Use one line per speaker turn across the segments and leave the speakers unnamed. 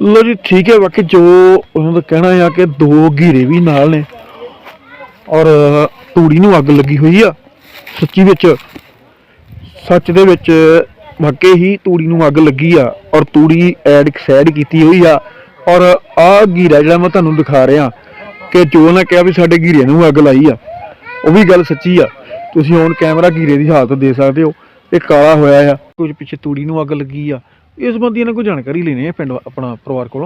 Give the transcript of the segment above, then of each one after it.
लो जी ठीक है। बाकी जो उन्होंने कहना है कि 2 घेरे भी नाल ने और तूड़ी नूं अग लगी हुई आ। सच्ची विच सच दे विच वाकई ही तूड़ी नूं अग लगी आ और तूड़ी ऐड सैड कीती हुई आ। और आ घेरा जिहड़ा मैं तुहानूं दिखा रहा कि जो उन्हें कहा भी साडे घेरे नूं अग लाई आ, वो भी गल सच्ची आ। तुसीं हुण कैमरा घेरे की हालत दे सकते हो, ये काला होया आ, कुछ पिछे तूड़ी नूं अग लगी आ। इस संबंधी इन्हां कोई जानकारी लेनी है पिंड अपना परिवार कोलों।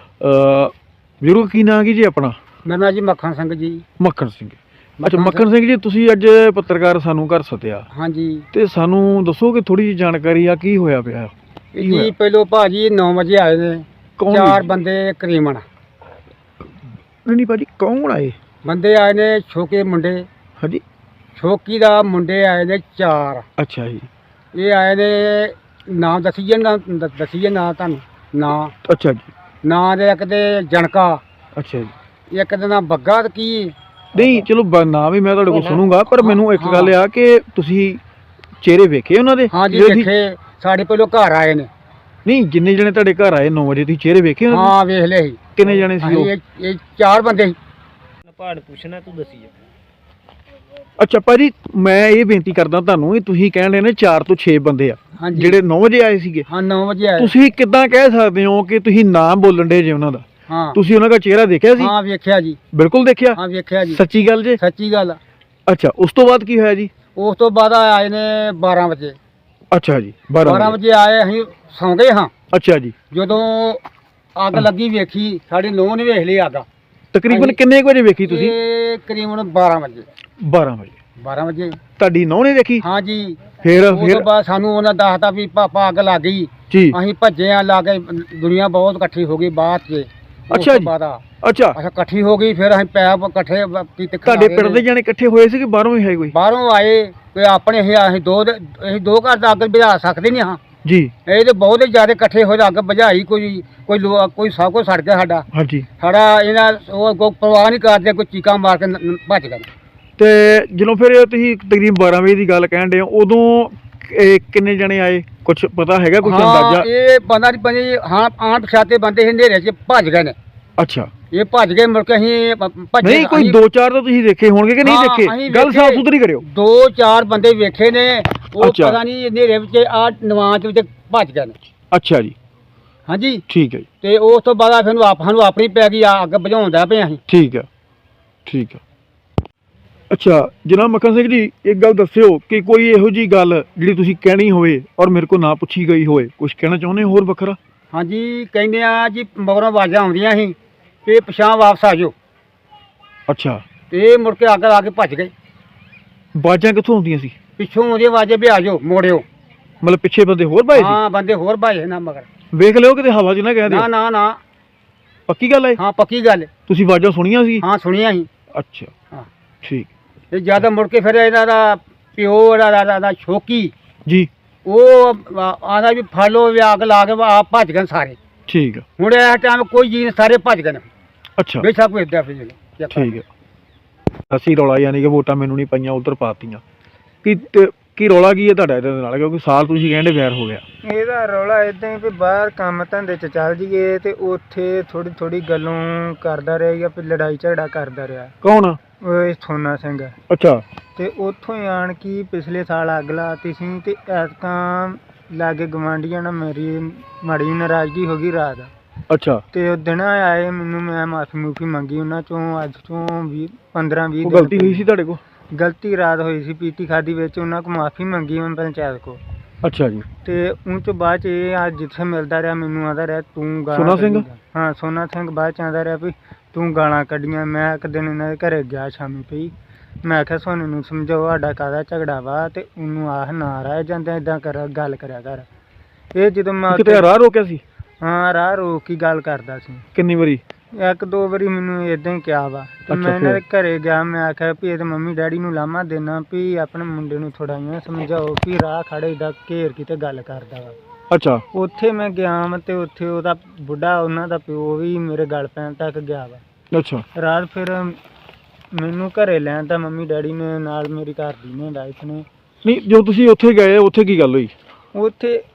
बजुर्ग की नाम की जी अपना?
मेरा नाम जी मक्खन सिंह जी।
मक्खन सिंह। अच्छा मक्खन सिंह जी, तुसीं अज पत्रकार सानू घर सद्दिया
हाँ जी।
ते सानू दसो कि थोड़ी जी जानकारी आ की होया पिया?
जी पहलो भाजी 9 बजे आए ने,
कौन
4 बंदे करीबन।
नहीं भाजी कौन आए?
बंदे आए ने छोके मुंडे।
हाँ जी।
छोकी दा मुंडे आए ने 4।
अच्छा जी।
ये आए ने नाम दसीए ना तुहानू नाम?
अच्छा जी।
नाम दे एक ते जनका,
अच्छा जी।
एक दा नाम बग्गा ते की
नहीं चलो नाम भी मैं तुहाडे कोल सुनूंगा, पर मैनू एक गल आ कि तुसीं चेहरे वेखे उन्हां दे?
हाँ जी वेखे। साडे पहलो घर आए ने।
नहीं जिन्ने जने तुहाडे घर आए 9 बजे तुसीं चेहरे वेखे उन्हां दे?
हाँ वेख ले।
किन्ने जने सी ओह?
ये 4 बंदे।
पहाड़ पुछना तू दसी।
अच्छा भाजी मैं ये बेनती करदा तुहानू, तुसीं कहण रहे ने 4 ਤੋਂ 6 ਬੰਦੇ ਆ
हाँ जी।
ਜਿਹੜੇ 9 ਵਜੇ ਆਏ ਸੀਗੇ।
हाँ 9 बजे आए।
ਤੁਸੀਂ ਕਿੱਦਾਂ ਕਹਿ ਸਕਦੇ ਹੋ ਕਿ ਤੁਸੀਂ ਨਾਮ ਬੋਲਣ ਦੇ ਜੇ ਉਹਨਾਂ ਦਾ?
हाँ
ਤੁਸੀਂ ਉਹਨਾਂ ਦਾ ਚਿਹਰਾ ਦੇਖਿਆ ਸੀ?
हाँ वेख्या जी।
ਬਿਲਕੁਲ ਦੇਖਿਆ?
हाँ वेख्या जी।
ਸੱਚੀ ਗੱਲ ਜੇ?
सच्ची गल।
ਅੱਛਾ ਉਸ ਤੋਂ ਬਾਅਦ ਕੀ ਹੋਇਆ ਜੀ?
ਉਸ ਤੋਂ ਬਾਅਦ ਆਏ ਨੇ 12 ਵਜੇ।
ਅੱਛਾ ਜੀ 12
ਵਜੇ ਆਏ, ਅਸੀਂ ਸੌਂ ਗਏ ਹਾਂ।
ਅੱਛਾ ਜੀ।
ਜਦੋਂ ਅੱਗ ਲੱਗੀ ਵੇਖੀ, ਸਾਡੀ ਨੂੰਹ ਨੇ ਵੇਖ ਲਈ ਅੱਗ।
ਤਕਰੀਬਨ ਕਿੰਨੇ ਕੁ ਵਜੇ ਵੇਖੀ ਤੁਸੀਂ?
ਇਹ ਕਰੀਬਨ 12 ਵਜੇ।
12 ਵਜੇ
12 ਵਜੇ।
ਤੁਹਾਡੀ ਨੂੰਹ ਨੇ ਵੇਖੀ?
ਹਾਂ ਜੀ।
ਫਿਰ
ਉਸ ਤੋਂ ਬਾਅਦ ਸਾਨੂੰ ਉਹਨਾਂ ਦੱਸਤਾ ਵੀ ਪਾਪਾ ਅੱਗ ਲੱਗ ਗਈ।
ਜੀ।
ਅਸੀਂ ਭੱਜੇ ਆ, ਲਾ ਕੇ ਦੁਨੀਆ ਬਹੁਤ ਇਕੱਠੀ ਹੋ ਗਈ ਬਾਅਦ 'ਚ।
ਅੱਛਾ ਜੀ। ਅੱਛਾ
ਇਕੱਠੀ ਹੋ ਗਈ, ਫਿਰ ਅਸੀਂ ਪੈਪ ਇਕੱਠੇ ਕੀਤੇ।
ਤੁਹਾਡੇ ਪਿੰਡ ਦੇ ਜਾਣੇ ਇਕੱਠੇ ਹੋਏ ਸੀ ਕਿ ਬਾਹਰੋਂ ਹੀ ਹੈ ਕੋਈ?
ਬਾਹਰੋਂ ਆਏ ਕੋਈ ਆਪਣੇ। ਅਸੀਂ ਦੋ ਘਰ ਦਾ ਅੱਗ ਬੁਝਾ ਸਕਦੇ ਨਹੀਂ ਹਾਂ
ਜੀ।
ਇਹ ਤੇ ਬਹੁਤ ਹੀ ਜ਼ਿਆਦਾ ਇਕੱਠੇ ਹੋਏ, ਅੱਗ ਬੁਝਾਈ। ਕੋਈ ਸਭ ਕੁਝ ਸੜ ਗਿਆ ਸਾਡਾ।
ਹਾਂਜੀ।
ਸਾਡਾ ਇਹਨਾਂ ਉਹ ਕੋਈ ਪਰਵਾਹ ਨਹੀਂ ਕਰਦੇ, ਕੋਈ ਚੀਕਾਂ ਮਾਰ ਕੇ ਭੱਜ ਗਏ।
ਤੇ ਜਦੋਂ ਫਿਰ ਤੁਸੀਂ ਤਕਰੀਬਨ 12 ਵਜੇ ਦੀ ਗੱਲ ਕਹਿਣ ਦੇ ਹੋ, ਉਦੋਂ ਕਿੰਨੇ ਜਣੇ ਆਏ ਕੁਝ ਪਤਾ ਹੈਗਾ, ਕੁਝ ਅੰਦਾਜ਼ਾ?
ਇਹ ਬੰਦਾ ਨਹੀਂ ਬਣੇ। ਹਾਂ ਆਂਟ ਪਛਾਤੇ ਬੰਦੇ ਹਨੇਰੇ 'ਚ ਭੱਜ ਗਏ ਨੇ।
ਅੱਛਾ।
ਇਹ ਭੱਜ ਗਏ, ਮੁੜ ਕੇ ਅਸੀਂ ਭੱਜੇ।
ਨਹੀਂ ਕੋਈ 2-4 ਤਾਂ ਤੁਸੀਂ ਦੇਖੇ ਹੋਣਗੇ ਕਿ ਨਹੀਂ ਦੇਖੇ? ਗੱਲ ਸਾਫ ਸੁਥਰੀ ਕਰਿਓ।
2-4 ਬੰਦੇ ਵੇਖੇ ਨੇ, ਉਹ
ਅੱਛਾ।
ਪਤਾ ਨਹੀਂ ਹਨੇਰੇ ਵਿੱਚ ਆ ਨਵਾਂਚ ਵਿੱਚ ਭੱਜ ਗਏ ਨੇ।
ਅੱਛਾ ਜੀ।
ਹਾਂਜੀ
ਠੀਕ ਹੈ ਜੀ।
ਤੇ ਉਸ ਤੋਂ ਬਾਅਦ ਫਿਰ ਸਾਨੂੰ ਆਪਣੀ ਪੈ ਗਈ ਅੱਗ ਬੁਝਾਉਂਦਾ ਪਏ ਅਸੀਂ।
ਠੀਕ ਹੈ ਠੀਕ ਹੈ। ਅੱਛਾ ਜਨਾਬ ਮੱਖਣ ਸਿੰਘ ਜੀ, ਇੱਕ ਗੱਲ ਦੱਸਿਓ ਕਿ ਕੋਈ ਇਹੋ ਜੀ ਗੱਲ ਜਿਹੜੀ ਤੁਸੀਂ ਕਹਿਣੀ ਹੋਵੇ ਔਰ ਮੇਰੇ ਕੋਲ ਨਾ ਪੁੱਛੀ ਗਈ ਹੋਵੇ, ਕੁਝ ਕਹਿਣਾ ਚਾਹੁੰਦੇ ਹੋਰ ਵੱਖਰਾ?
ਹਾਂਜੀ ਕਹਿੰਦੇ ਆ ਜੀ, ਮਗਰੋਂ ਆਵਾਜ਼ਾਂ ਆਉਂਦੀਆਂ ਸੀ ਤੇ ਪਛਾਂ ਵਾਪਸ ਆ ਜਾਓ।
ਅੱਛਾ।
ਤੇ ਮੁੜ ਕੇ ਅੱਗ ਲਾ ਕੇ ਭੱਜ ਗਏ।
ਆਵਾਜ਼ਾਂ ਕਿੱਥੋਂ ਆਉਂਦੀਆਂ ਸੀ?
ਪਿੱਛੋਂ ਆਉਂਦੀ ਆਵਾਜ਼ਾਂ ਵੀ ਆ ਜਾਓ, ਮੋੜਿਓ।
ਮਤਲਬ ਪਿੱਛੇ ਬੰਦੇ ਹੋਰ ਭਾਏ ਸੀ?
ਹਾਂ ਬੰਦੇ ਹੋਰ ਭਾਏ ਨਾ ਮਗਰ।
ਵੇਖ ਲਿਓ ਕਿਤੇ ਹਵਾ 'ਚ ਨਾ ਕਹਿ
ਨਾ
ਦਿਓ।
ਨਾ ਨਾ
ਪੱਕੀ ਗੱਲ ਹੈ?
ਹਾਂ ਪੱਕੀ ਗੱਲ।
ਤੁਸੀਂ ਆਵਾਜ਼ਾਂ ਸੁਣੀਆਂ ਸੀ?
ਹਾਂ ਸੁਣੀਆਂ ਸੀ।
ਅੱਛਾ
ਹਾਂ
ਠੀਕ।
ਤੇ ਜਦ ਮੁੜ ਕੇ ਫਿਰ ਇਹਨਾਂ ਦਾ ਪਿਓ ਦਾ ਛੋਕੀ
ਜੀ।
ਉਹ ਆਦਾ ਵੀ ਫੜ ਲਓ ਵੀ ਅੱਗ ਲਾ ਕੇ ਆਪ ਭੱਜ ਗਏ ਸਾਰੇ।
ਠੀਕ ਹੈ।
ਹੁਣ ਇਸ ਟਾਈਮ ਕੋਈ ਜੀ ਸਾਰੇ ਭੱਜ ਗਏ ਨੇ।
ਅੱਛਾ
ਬੇਸ਼ੱਕ ਕੋਈ ਏਦਾਂ ਫਿਰ
ਠੀਕ ਹੈ। ਅਸੀਂ ਰੌਲਾ ਯਾਨੀ ਕਿ ਵੋਟਾਂ ਮੈਨੂੰ ਨਹੀਂ ਪਈਆਂ ਉਧਰ ਪਾਤੀਆਂ ਕੀ ਰੌਲਾ ਕੀ ਹੈ ਤੁਹਾਡਾ ਇਹਦੇ ਨਾਲ? ਕਿਉਂਕਿ ਸਾਲ ਤੁਸੀਂ ਕਹਿੰਦੇ ਵੈਰ ਹੋ ਗਿਆ।
ਇਹਦਾ ਰੌਲਾ ਇਦਾਂ ਹੀ ਵੀ ਬਾਹਰ ਕੰਮ ਧੰਦੇ 'ਚ ਚੱਲ ਜੀਏ ਤੇ ਉੱਥੇ ਥੋੜੀ ਗੱਲੋਂ ਕਰਦਾ ਰਿਹਾ ਜਾਂ ਫਿਰ ਲੜਾਈ ਝਗੜਾ ਕਰਦਾ ਰਿਹਾ।
ਕੌਣ?
ਉਹ ਸੋਨਾ ਸਿੰਘ।
ਅੱਛਾ।
ਤੇ ਉੱਥੋਂ ਹੀ ਆਣ ਕੇ ਪਿਛਲੇ ਸਾਲ ਅੱਗ ਲਾਤੀ ਸੀ ਤੇ ਐਤਕਾਂ ਲਾਗੇ ਗਵਾਂਢੀਆਂ ਨਾਲ ਮੇਰੀ ਮਾੜੀ ਨਾਰਾਜ਼ਗੀ ਹੋ ਗਈ ਰਾਤ।
ਅੱਛਾ।
ਤੇ ਉਹ ਦਿਨ ਆਏ ਮੈਨੂੰ, ਮੈਂ ਮਾਫੀ ਮੂਫੀ ਮੰਗੀ ਉਹਨਾਂ ਚੋਂ। ਅੱਜ ਤੋਂ 15-20
ਗਲਤੀ ਹੋਈ ਸੀ ਤੁਹਾਡੇ ਕੋਲ?
ਗਲਤੀ ਰਾਤ ਹੋਈ ਸੀ, ਪੀਤੀ ਖਾਦੀ ਵਿੱਚ। ਉਹਨਾਂ ਕੋਲ ਮਾਫੀ ਮੰਗੀ ਮੈਂ ਪੰਚਾਇਤ ਕੋਲ।
ਅੱਛਾ ਜੀ।
ਤੇ ਉਹ ਤੋਂ ਬਾਅਦ 'ਚ ਇਹ ਅੱਜ ਜਿੱਥੇ ਮਿਲਦਾ ਰਿਹਾ ਮੈਨੂੰ ਆਂਦਾ ਰਿਹਾ ਤੂੰ ਗਾਲਾਂ।
ਸੋਨਾ ਸਿੰਘ?
ਹਾਂ ਸੋਨਾ ਸਿੰਘ। ਬਾਅਦ 'ਚ ਆਂਦਾ ਰਿਹਾ ਵੀ ਤੂੰ ਗਾਲਾਂ ਕੱਢੀਆਂ। ਮੈਂ ਇੱਕ ਦਿਨ ਇਹਨਾਂ ਦੇ ਘਰੇ ਗਿਆ ਸ਼ਾਮੀ ਪਈ, ਮੈਂ ਆਖਿਆ ਸੋਨੇ ਨੂੰ ਸਮਝਾਓ ਸਾਡਾ ਕਾਹਦਾ ਝਗੜਾ ਵਾ ਤੇ ਉਹਨੂੰ ਆਹ ਨਾ ਰਹਿ ਜਾਂਦੇ ਇੱਦਾਂ ਕਰ ਗੱਲ ਕਰਿਆ ਕਰ। ਇਹ ਜਦੋਂ ਮੈਂ
ਕਿਤੇ ਰਾਹ ਰੋਕਿਆ ਸੀ?
ਹਾਂ ਰਾਹ ਰੋਕ ਕੇ ਗੱਲ ਕਰਦਾ ਸੀ।
ਕਿੰਨੀ ਵਾਰੀ?
1-2 ਵਾਰੀ ਮੈਨੂੰ ਇਦਾਂ ਹੀ ਕਿਹਾ ਵਾ। ਤੇ ਮੈਂ ਇਹਨਾਂ ਦੇ ਘਰੇ ਗਿਆ, ਮੈਂ ਆਖਿਆ ਵੀ ਇਹਦੇ ਮੰਮੀ ਡੈਡੀ ਨੂੰ ਲਾਮਾ ਦੇਣਾ ਵੀ ਆਪਣੇ ਮੁੰਡੇ ਨੂੰ ਥੋੜਾ ਜਿਹਾ ਸਮਝਾਓ ਵੀ ਰਾਹ ਖੜੇ ਦਾ ਘੇਰ ਕੇ ਤੇ ਗੱਲ ਕਰਦਾ ਵਾ।
ਅੱਛਾ।
ਉੱਥੇ ਮੈਂ ਗਿਆ ਵਾ ਤੇ ਉੱਥੇ ਉਹਦਾ ਬੁੱਢਾ ਉਹਨਾਂ ਦਾ ਪਿਓ ਵੀ ਮੇਰੇ ਗਲ ਪੈਣ ਤੱਕ ਗਿਆ ਵਾ।
ਅੱਛਾ।
ਰਾਤ ਫਿਰ ਮੈਨੂੰ ਘਰੇ ਲੈਣ ਤਾਂ ਮੰਮੀ ਡੈਡੀ ਨੇ ਨਾਲ ਮੇਰੀ ਘਰ ਦੀ ਨੇ ਵਾਈਫ ਨੇ।
ਨਹੀਂ ਜਦੋਂ ਤੁਸੀਂ ਉੱਥੇ ਗਏ ਉੱਥੇ ਕੀ ਗੱਲ ਹੋਈ?
ਉੱਥੇ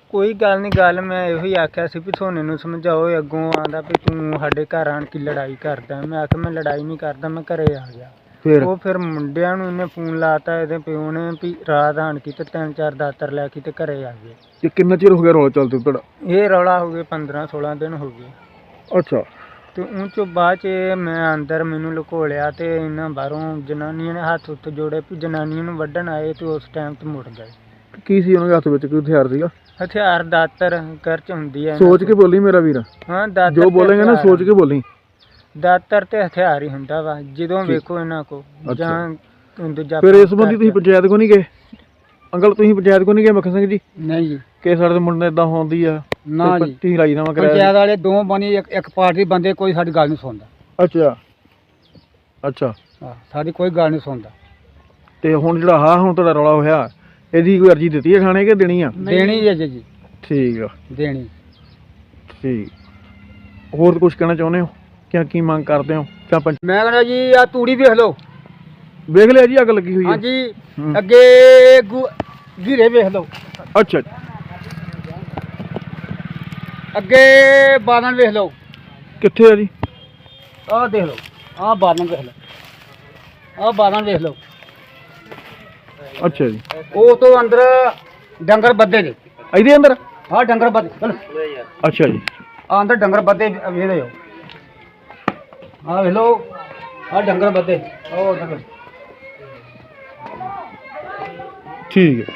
ਕੋਈ ਗੱਲ ਨਹੀਂ, ਗੱਲ ਮੈਂ ਇਹੋ ਹੀ ਆਖਿਆ ਸੀ ਵੀ ਸੋਨੇ ਨੂੰ ਸਮਝਾਓ। ਅੱਗੋਂ ਆਂਦਾ ਵੀ ਤੂੰ ਸਾਡੇ ਘਰ ਆਣ ਕੇ ਲੜਾਈ ਕਰਦਾ। ਮੈਂ ਆਖਿਆ ਮੈਂ ਲੜਾਈ ਨਹੀਂ ਕਰਦਾ, ਮੈਂ ਘਰੇ ਆ ਗਿਆ। ਉਹ ਫਿਰ ਮੁੰਡਿਆਂ ਨੂੰ ਇਹਨੇ ਫੋਨ ਲਾਤਾ ਇਹਦੇ ਪਿਓ ਨੇ ਵੀ ਰਾਤ ਆਣ ਕੇ ਤੇ 3-4 ਦਾਤਰ ਲੈ ਕੇ ਤੇ ਘਰੇ ਆ ਗਏ।
ਤੇ ਕਿੰਨਾ ਚਿਰ ਹੋ ਗਿਆ ਰੌਲਾ ਚੱਲਦੇ ਤੁਹਾਡਾ?
ਇਹ ਰੌਲਾ ਹੋ ਗਏ 15-16 ਦਿਨ ਹੋ ਗਏ।
ਅੱਛਾ।
ਤੇ ਉਹ 'ਚੋਂ ਬਾਅਦ 'ਚ ਮੈਂ ਅੰਦਰ ਮੈਨੂੰ ਲੁਕੋਲਿਆ ਤੇ ਇਹਨਾਂ ਬਾਹਰੋਂ ਜਨਾਨੀਆਂ ਨੇ ਹੱਥ ਉੱਤੇ ਜੋੜੇ ਵੀ ਜਨਾਨੀਆਂ ਨੂੰ ਵੱਢਣ ਆਏ ਤੇ ਉਸ ਟਾਈਮ ਤੇ ਮੁੜ ਗਏ।
ਕੀ ਸੀ ਉਹਨਾਂ ਦੇ ਹੱਥ ਵਿੱਚ, ਕੋਈ ਹਥਿਆਰ ਸੀਗਾ?
ਹਥਿਆਰ ਦਾਤਰ ਘਰ 'ਚ ਹੁੰਦੀ ਹੈ।
ਸੋਚ ਕੇ ਬੋਲੀ ਮੇਰਾ ਵੀਰ,
ਹਾਂ ਦਾਤਰ
ਜੋ ਬੋਲੇਗਾ ਨਾ ਸੋਚ ਕੇ ਬੋਲੀ।
ਦਾਤਰ ਤੇ ਹਥਿਆਰ ਹੀ ਹੁੰਦਾ ਵਾ ਜਦੋਂ
ਠੀਕ।
ਵੇਖੋ ਇਹਨਾਂ ਕੋ ਜਾਂ ਦੂਜਾ।
ਫਿਰ ਇਸ ਸੰਬੰਧੀ ਤੁਸੀਂ ਪੰਚਾਇਤ ਕੋ ਨਹੀਂ ਗਏ? ਅੰਕਲ ਤੁਸੀਂ ਪੰਚਾਇਤ ਕੋ ਨਹੀਂ ਗਏ ਮੱਖਣ ਸਿੰਘ ਜੀ?
ਨਹੀਂ ਜੀ,
ਕਿ ਸਾਡੇ ਮੁੰਡੇ ਇਦਾਂ ਹੁੰਦੀ ਆ
ਨਾ ਜੀ।
ਤੁਸੀਂ ਰਾਜੀਨਾਮਾ ਕਰਾਇਆ?
ਪੰਚਾਇਤ ਵਾਲੇ ਦੋ ਬਣੀ, ਇੱਕ ਪਾਰਟੀ ਬੰਦੇ ਕੋਈ ਸਾਡੀ ਗੱਲ ਨਹੀਂ ਸੁਣਦਾ।
ਅੱਛਾ ਅੱਛਾ।
ਹਾਂ, ਸਾਡੀ ਕੋਈ ਗੱਲ ਨਹੀਂ ਸੁਣਦਾ।
ਤੇ ਹੁਣ ਜਿਹੜਾ ਹੁਣ ਤੁਹਾਡਾ ਰੌਲਾ ਹੋਇਆ, ਇਹਦੀ ਕੋਈ ਅਰਜੀ ਦਿੱਤੀ ਹੈ ਥਾਣੇ ਕਿ ਦੇਣੀ ਆ?
ਦੇਣੀ ਹੈ ਜੀ।
ਠੀਕ ਆ,
ਦੇਣੀ।
ਠੀਕ। ਹੋਰ ਕੁਝ ਕਹਿਣਾ ਚਾਹੁੰਦੇ ਹੋ? ਕੀ ਮੰਗ ਕਰਦੇ ਹੋ? ਜਾਂ
ਮੈਂ ਕਹਿੰਦਾ ਜੀ ਆ ਤੂੜੀ ਵੇਖ ਲਓ।
ਵੇਖ ਲਿਆ ਜੀ, ਅੱਗ ਲੱਗੀ ਹੋਈ ਹੈ?
ਹਾਂਜੀ,
ਹੂੰ।
ਅੱਗੇ ਘੀਰੇ ਵੇਖ ਲਓ,
ਅੱਛਾ।
ਅੱਗੇ ਬਾਦਲ ਵੇਖ ਲਓ।
ਕਿੱਥੇ ਆ ਜੀ?
ਆਹ ਦੇਖ ਲਓ, ਆਹ ਬਾਦਲ ਵੇਖ ਲਓ, ਆਹ ਬਾਦਲ ਵੇਖ ਲਓ।
ਅੱਛਾ ਜੀ।
ਉਹ ਤੋਂ ਅੰਦਰ ਡੰਗਰ ਬੱਦੇ ਨੇ।
ਇਹਦੇ ਅੰਦਰ?
ਆਹ ਡੰਗਰ ਬੱਦੇ ਚਲ।
ਅੱਛਾ ਜੀ।
ਆਹ ਅੰਦਰ ਡੰਗਰ ਬੱਦੇ ਵੇਖ ਲਓ। ਆਹ ਵੇਖ ਲਓ, ਆਹ ਡੰਗਰ ਬੱਦੇ, ਉਹ ਡੰਗਰ।
ਠੀਕ ਹੈ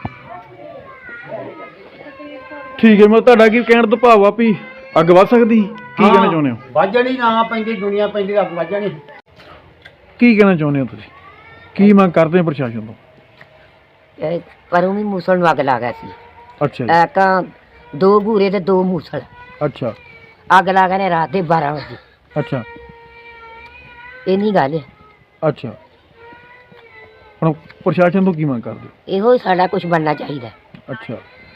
ਠੀਕ ਹੈ। ਮੈਂ ਤੁਹਾਡਾ ਕੀ ਕਹਿਣ ਤੋਂ ਭਾਵ ਆ ਵੀ ਅੱਗ ਵੱਧ ਸਕਦੀ? ਕੀ ਕਹਿਣਾ ਚਾਹੁੰਦੇ ਹੋ?
ਵਾਜਣੀ ਨਾ ਪੈਂਦੀ, ਦੁਨੀਆ ਪੈਂਦੀ, ਅੱਗ ਵਾਜਣੀ।
ਕੀ ਕਹਿਣਾ ਚਾਹੁੰਦੇ ਹੋ ਤੁਸੀਂ? ਕੀ ਮੰਗ ਕਰਦੇ ਹੋ ਪ੍ਰਸ਼ਾਸਨ ਤੋਂ?
ਪਰ ਉਹ ਵੀ ਮੂਸਲ ਨੂੰ ਅੱਗ ਲਾ ਗਿਆ ਸੀ।
ਅੱਛਾ ਜੀ।
ਤਾਂ 2 ਘੂਰੇ ਤੇ 2 ਮੂਸਲ
ਅੱਛਾ
ਅੱਗ ਲਾ ਗਏ ਨੇ ਰਾਤ ਦੇ 12 ਵਜੇ।
ਅੱਛਾ
ਇੰਨੀ ਗੱਲ ਹੈ।
ਅੱਛਾ। ਹੁਣ ਪ੍ਰਸ਼ਾਸਨ ਤੋਂ ਕੀ ਮੰਗ ਕਰਦੇ ਹੋ?
ਇਹੋ ਹੀ ਸਾਡਾ ਕੁਝ ਬਣਨਾ ਚਾਹੀਦਾ।
ਅੱਛਾ।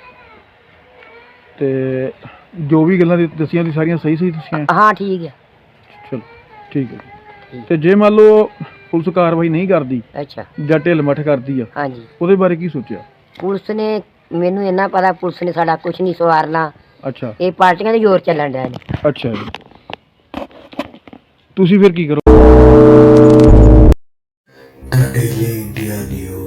ਤੇ ਜੋ ਵੀ ਗੱਲਾਂ ਦੱਸੀਆਂ ਦੀ ਸਾਰੀਆਂ ਸਹੀ ਦੱਸੀਆਂ?
ਹਾਂ ਠੀਕ ਹੈ।
ਚਲੋ ਠੀਕ ਹੈ ਜੀ। ਤੇ ਜੇ ਮੰਨ ਲਓ ਪੁਲਿਸ ਕਾਰਵਾਈ ਨਹੀਂ ਕਰਦੀ
ਅੱਛਾ
ਜਾਂ ਢਿੱਲ ਮੱਠ ਕਰਦੀ ਆ,
ਹਾਂਜੀ,
ਉਹਦੇ ਬਾਰੇ ਕੀ ਸੋਚਿਆ?
ਪੁਲਿਸ ਨੇ ਮੈਨੂੰ ਇੰਨਾ ਪਤਾ, ਪੁਲਿਸ ਨੇ ਸਾਡਾ ਕੁਝ ਨਹੀਂ ਸਵਾਰਨਾ।
ਅੱਛਾ
ਇਹ ਪਾਰਟੀਆਂ ਦੇ ਜ਼ੋਰ ਚੱਲਣ ਡਿਆ ਨੇ।
ਅੱਛਾ ਜੀ। ਤੁਸੀਂ ਫਿਰ ਕੀ ਕਰੋ?
Daily India News.